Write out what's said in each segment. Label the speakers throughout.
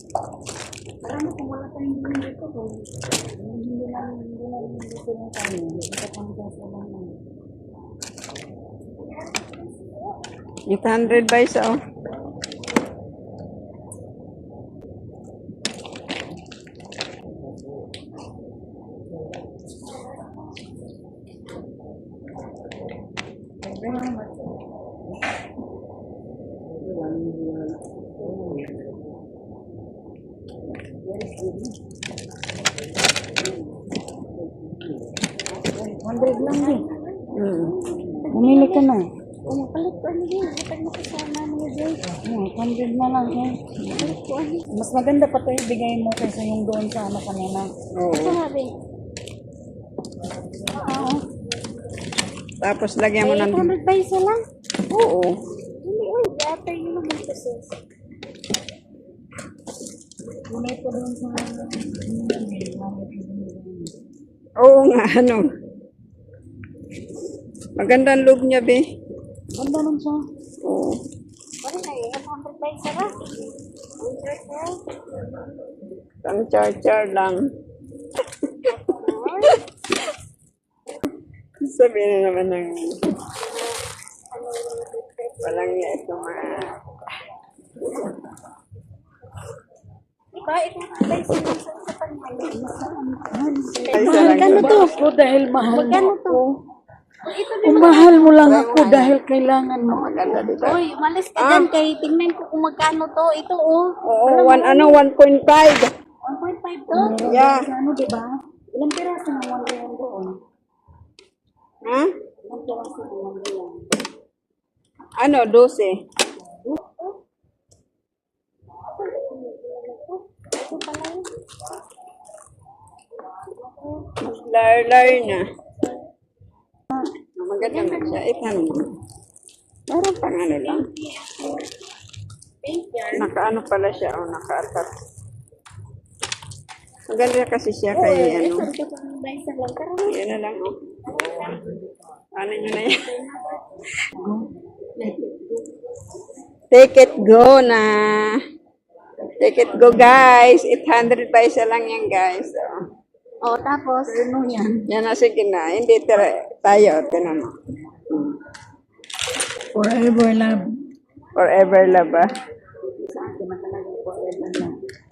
Speaker 1: Marami kung wala tayong hindi dito ko. Hindi lang dito ng kami. Kapanggas na lang naman.
Speaker 2: 800 ba isa, oh?
Speaker 1: $100 lang din.
Speaker 2: Bumili ka na.
Speaker 1: Palit ko ano din. Kapag nakasama mo din.
Speaker 2: 100 na lang, eh.
Speaker 1: Palit ko ano.
Speaker 2: Mas maganda pa ito ibigay mo kaysa yung doon sa ano kanina. Oo.
Speaker 1: Sabi. Oo.
Speaker 2: Tapos lagyan mo ng...
Speaker 1: 800 ba isa lang?
Speaker 2: Oo.
Speaker 1: Hindi, uy. After yun naman kasi.
Speaker 2: Kulay ko doon sa... Oo nga, ano. Maganda ang loob niya, be.
Speaker 1: Ganda nun siya.
Speaker 2: Oo.
Speaker 1: Bakit na eh? 100 ba isa lang? 100 na.
Speaker 2: Pang char-char lang. Sabihin na naman ng... Walang niya ito mga...
Speaker 1: Diba? Ito ba isa lang sa pangalan?
Speaker 2: Ay,
Speaker 1: Magkano to?
Speaker 2: Ako dahil mahal
Speaker 1: Magkano
Speaker 2: mo
Speaker 1: to?
Speaker 2: ako.
Speaker 1: Ito
Speaker 2: Kung mahal mo lang ako dahil kailangan mo. Maganda dito.
Speaker 1: Uy, umalis ka dyan kay tingnan ko kung magkano to. Ito oh.
Speaker 2: Oo, 1.5.
Speaker 1: 1.5 to?
Speaker 2: Yeah.
Speaker 1: Ano diba? Ilang piraso ng 1 real doon?
Speaker 2: Ha?
Speaker 1: Ilang piraso ng 1 real?
Speaker 2: Ano, 12.
Speaker 1: Ito pala yun.
Speaker 2: Mas lar na. Maganda na siya. 800. Parang pang ano lang.
Speaker 1: Pink yan.
Speaker 2: Nakaano pala siya. O, naka-atat. Maganda kasi siya kay ano.
Speaker 1: Ito pang ba isa lang? Pero
Speaker 2: Yan na lang, oh. Ano nyo na yan? Take it go na. Take it go, guys. 800 pa isa lang yan, guys. Oh.
Speaker 1: tapos ano yan?
Speaker 2: Yan na, sige na. Hindi tayo. Tinan mo.
Speaker 1: Forever love.
Speaker 2: Forever love, ah.
Speaker 1: Sa akin na talaga forever love.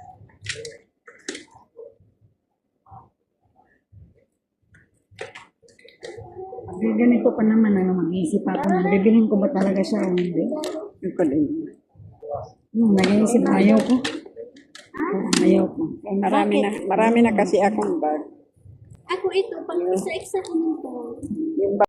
Speaker 2: Ganito pa naman, mag-iisip ako na bibilhin ko ba talaga siya o hindi. Ito din. Nag-iisip, ayaw ko. Ayaw ko. Marami na kasi akong bag.
Speaker 1: Ako ito, pag isa-isa ko nito.
Speaker 2: Yung